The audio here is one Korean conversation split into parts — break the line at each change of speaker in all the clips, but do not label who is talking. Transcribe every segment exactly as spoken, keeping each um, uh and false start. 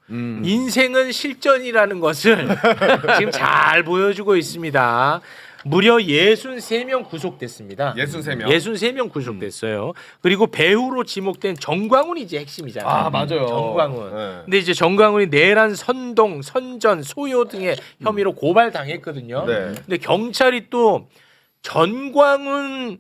음.
인생은 실전이라는 것을 지금 잘 보여주고 있습니다. 무려 예순세 명 구속됐습니다.
예순세 명.
예순세 명 구속됐어요. 그리고 배우로 지목된 정광훈이 이제 핵심이잖아요.
아 맞아요.
정광훈.
네.
근데 이제 정광훈이 내란, 선동, 선전, 소요 등의 혐의로 고발당했거든요.
네.
근데 경찰이 또 전광훈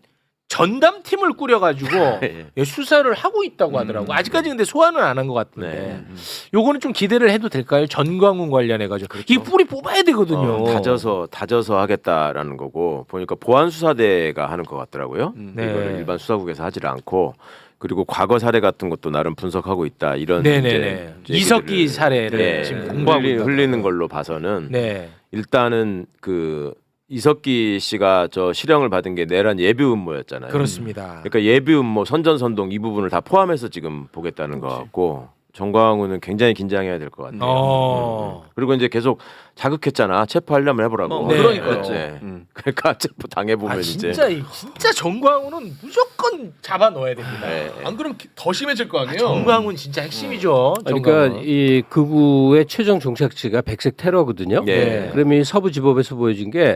전담팀을 꾸려가지고
예.
수사를 하고 있다고 하더라고. 아직까지 근데 소환은 안 한 것 같은데.
네.
요거는 좀 기대를 해도 될까요? 전광훈 관련해가지고 이 뿌리 뽑아야 되거든요.
어, 다져서 다져서 하겠다라는 거고 보니까 보안 수사대가 하는 것 같더라고요.
네.
이거를 일반 수사국에서 하지를 않고 그리고 과거 사례 같은 것도 나름 분석하고 있다 이런
네네네.
이제
이석기
얘기들을,
사례를
네,
지금 공부하고
흘리,
있다.
흘리는 걸로 봐서는
네.
일단은 그 이석기 씨가 저 실형을 받은 게 내란 예비 음모였잖아요.
그렇습니다.
그러니까 예비 음모, 선전선동 이 부분을 다 포함해서 지금 보겠다는 것 같고 정광훈은 굉장히 긴장해야 될 것 같아요.
어.
그리고 이제 계속 자극했잖아. 체포하려면 해보라고.
뭐,
네.
그러니까요.
네.
음.
그러니까 체포 당해보면
아
이제.
진짜 이- 진짜 정광훈은 무조건 잡아 넣어야 됩니다.
네.
안 그러면 더 심해질 거 아니에요.
정광훈 진짜 핵심이죠.
그러니까
정광훈.
이 극우의 최종 종착지가 백색 테러거든요.
네.
그러면 이 서부지법에서 보여준 게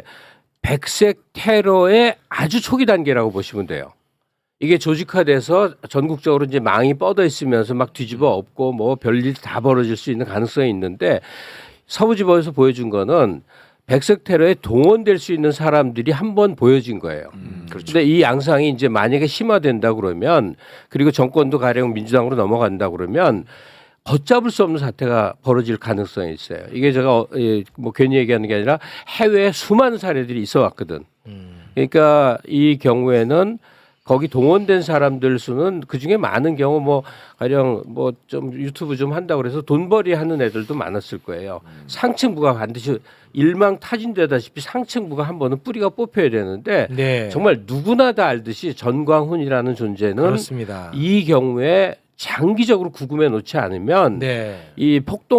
백색 테러의 아주 초기 단계라고 보시면 돼요. 이게 조직화돼서 전국적으로 이제 망이 뻗어 있으면서 막 뒤집어 엎고 뭐 별일 다 벌어질 수 있는 가능성이 있는데 서부지법에서 보여준 거는 백색 테러에 동원될 수 있는 사람들이 한 번 보여진 거예요.
음, 그렇죠.
근데 이 양상이 이제 만약에 심화된다 그러면 그리고 정권도 가령 민주당으로 넘어간다 그러면 걷잡을 수 없는 사태가 벌어질 가능성이 있어요. 이게 제가 어, 예, 뭐 괜히 얘기하는 게 아니라 해외에 수많은 사례들이 있어 왔거든. 그러니까 이 경우에는 거기 동원된 사람들 수는 그 중에 많은 경우 뭐 가령 뭐 좀 유튜브 좀 한다고 그래서 돈벌이 하는 애들도 많았을 거예요. 상층부가 반드시 일망타진되다시피 상층부가 한 번은 뿌리가 뽑혀야 되는데
네.
정말 누구나 다 알듯이 전광훈이라는 존재는
그렇습니다.
이 경우에 장기적으로 구금해 놓지 않으면
네.
이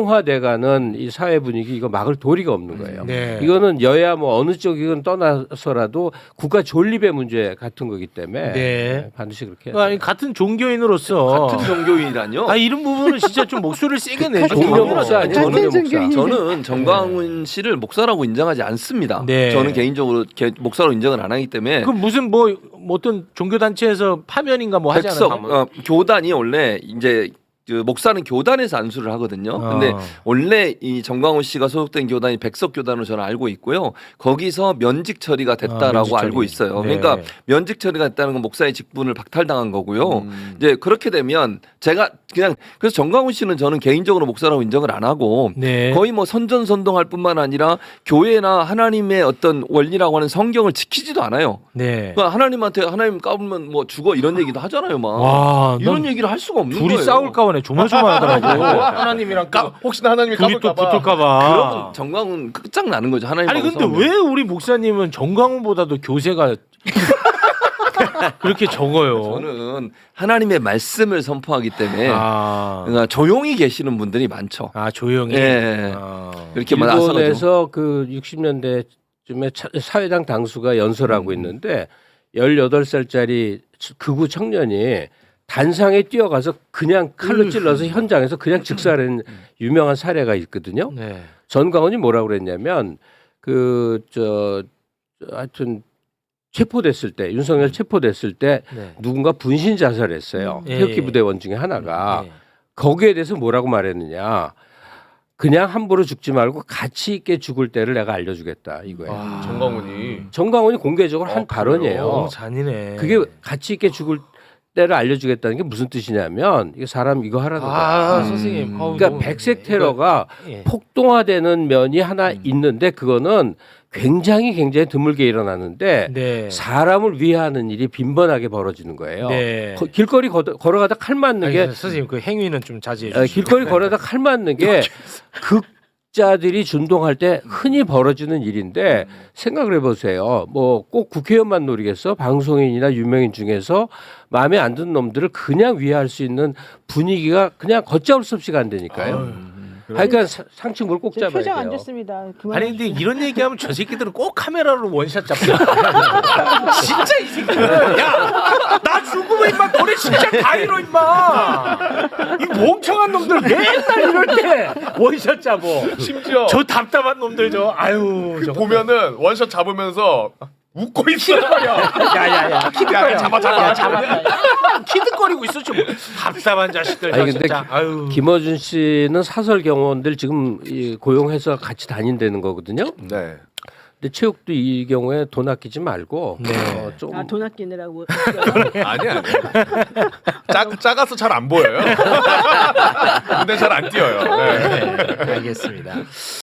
폭동화돼가는 이 사회 분위기 이거 막을 도리가 없는 거예요.
네.
이거는 여야 뭐 어느 쪽이건 떠나서라도 국가 존립의 문제 같은 거기 때문에
네.
반드시 그렇게 해야
아니, 같은 종교인으로서
같은 종교인이라뇨?
아 이런 부분은 진짜 좀 목소리를 세게 내죠.
동료 목사 아니에요?
저는
동료 목사.
저는 정광훈 씨를 목사라고 인정하지 않습니다.
네.
저는 개인적으로 개- 목사로 인정을 안 하기 때문에
그 무슨 뭐, 뭐 어떤 종교 단체에서 파면인가 뭐 하지
백석
않았나요?
어, 교단이 원래 이제 그 목사는 교단에서 안수를 하거든요. 근데
어.
원래 이 정광훈 씨가 소속된 교단이 백석 교단으로 저는 알고 있고요. 거기서 면직 처리가 됐다라고
아, 면직 처리.
알고 있어요.
네.
그러니까 면직 처리가 됐다는 건 목사의 직분을 박탈당한 거고요.
음.
이제 그렇게 되면 제가 그냥 그래서 정광훈 씨는 저는 개인적으로 목사라고 인정을 안 하고
네.
거의 뭐 선전선동할 뿐만 아니라 교회나 하나님의 어떤 원리라고 하는 성경을 지키지도 않아요.
네.
그러니까 하나님한테 하나님 까불면 뭐 죽어 이런 얘기도 하잖아요, 막.
와,
이런
넌
얘기를 할 수가 없는
둘이
거예요.
싸울까 보네. 조마조마하더라고. 하나님이랑
까, 혹시나 하나님이
둘이 또
까불까봐.
붙을까봐.
그러면 정광훈 끝장 나는 거죠. 하나님.
아니 근데 왜 우리 목사님은 정광훈보다도 교세가 그렇게 적어요?
저는 하나님의 말씀을 선포하기 때문에
아,
그러니까 조용히 계시는 분들이 많죠.
아 조용히.
예.
아.
이렇게 막 나서가지고.
일본에서 그 육십 년대쯤에 차- 사회당 당수가 연설하고 있는데 열여덟 살짜리 극우 청년이 단상에 뛰어가서 그냥 칼로 찔러서 현장에서 그냥 즉사하는 유명한 사례가 있거든요.
네.
전광훈이 뭐라고 그랬냐면 그 저 하여튼 체포됐을 때 윤석열 체포됐을 때
네.
누군가 분신 자살했어요.
예,
태극기
예.
부대원 중에 하나가
네.
거기에 대해서 뭐라고 말했느냐. 그냥 함부로 죽지 말고 가치 있게 죽을 때를 내가 알려주겠다 이거예요.
아, 정광훈이.
정광훈이 공개적으로 한
어,
발언이에요.
어, 잔인해.
그게 가치 있게 죽을 때를 알려주겠다는 게 무슨 뜻이냐면 이게 사람 이거 하라는 거야.
아,
음.
선생님. 어우,
그러니까
너무-
백색 테러가
예.
폭동화되는 면이 하나 있는데 그거는 굉장히 굉장히 드물게 일어나는데
네.
사람을 위하는 일이 빈번하게 벌어지는 거예요.
네.
거- 길거리 거, 걸어가다 칼 맞는 게
아니, 선생님 그 행위는 좀 자제해
어,
주시죠.
길거리 걸어다 칼 맞는 게 극자들이 준동할 때 흔히 벌어지는 일인데 생각을 해보세요. 뭐 꼭 국회의원만 노리겠어? 방송인이나 유명인 중에서 마음에 안 드는 놈들을 그냥 위할 수 있는 분위기가 그냥 걷잡을 수 없이 간다니까요. 하여간 사- 상층물 꼭
제
잡아야
표정 안
돼요.
좋습니다. 그만.
아니 근데 이런 얘기하면 저 새끼들은 꼭 카메라로 원샷 잡고 진짜 이 새끼들 야나 죽으면 임마 너네 진짜 다 잃어 임마 이 멍청한 놈들 맨날 이럴 때 원샷 잡어
심지어
저 답답한 놈들 저 아유
그
저거.
보면은 원샷 잡으면서 웃고 있어.
야야야
야, 잡아 잡아.
잡았다 키득거리고 있어 좀 답답한 자식들 저
아니 근데
진짜 아유
김어준 씨는 사설 경호원들 지금 이 고용해서 같이 다닌다는 거거든요.
네.
근데 체육도 이 경우에 돈 아끼지 말고
네.
어, 좀
아, 돈 아끼느라고.
아니 아니. 작 작아서 잘 안 보여요. 근데 잘 안 뛰어요. 네.
네, 알겠습니다.